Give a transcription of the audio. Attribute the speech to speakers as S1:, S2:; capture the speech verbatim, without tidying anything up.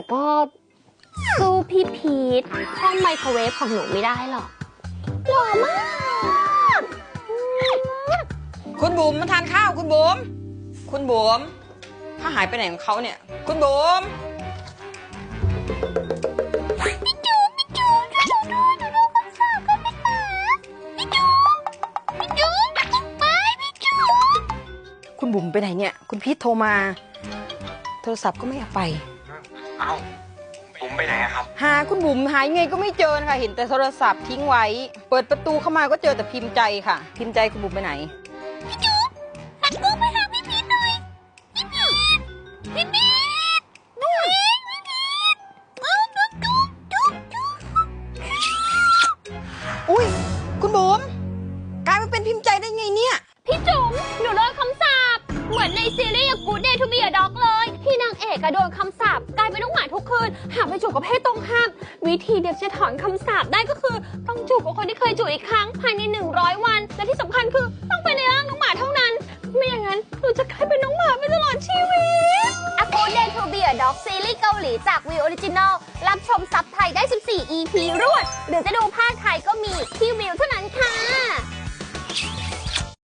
S1: แต่ก็สู้พี่พีทห้องไมโครเวฟของหนูไม่ได้หรอกหล่อมาก
S2: คุณบุ๋มมาทานข้าวคุณบุ๋มคุณบุ๋มถ้าหายไปไหนของเขาเนี่ยคุณบุ๋ม
S1: พี่จูพี่จูช่วยหนูด้วยหนูโดนคำสาปก็ไม่ตายพี่จูพี่จูไปพี่จู
S2: คุณบุ๋มไปไหนเนี่ยคุณพีทโทรมาโทรศัพท์ก็ไม่เอาไป
S3: เอ้าบุ๋มไปไหนอะครับ
S2: หาคุณบุ๋มหายงไงก็ไม่เจอนะคะเห็นแต่โทรศัพท์ทิ้งไว้เปิดประตูเข้ามาก็เจอแต่พิมพ์ใจค่ะ พิมพ์ใจคุณบุ๋มไปไหน
S1: พี่จูหันกล้องไปหาพี่พีทหน่อยพี่พีทพี่พีทหนูเองพี่พีทเอาจุ๊บจุ๊บจุ๊บจุ๊บ
S2: อุ้ยคุณบุ๋มกลายมาเป็นพิมพ์ใจได้ไงเนี่ย
S1: พี่จุ๋มหนูโดนคำสาปเหมือนในซีรีส์ Good Day to be a Dog เลยที่นางเอกอะโดนคำสาปกลายเป็นน้องหมาทุกคืนหากไปจูบกับเพศตรงข้ามวิธีเดียวจะถอนคำสาปได้ก็คือต้องจูบกับคนที่เคยจูบอีกครั้งภายในหนึ่งร้อยวันและที่สำคัญคือต้องเป็นในร่างน้องหมาเท่านั้นไม่อย่างนั้นหนูจะกลายเป็นน้องหมาไปตลอดชีวิต A Good Day to be a Dog ซีรีส์เกาหลีจากวิวออริจินอลรับชมซับไทยได้สิบสี่ อี พี รวดหรือจะดูภาคไทยก็มีที่วิว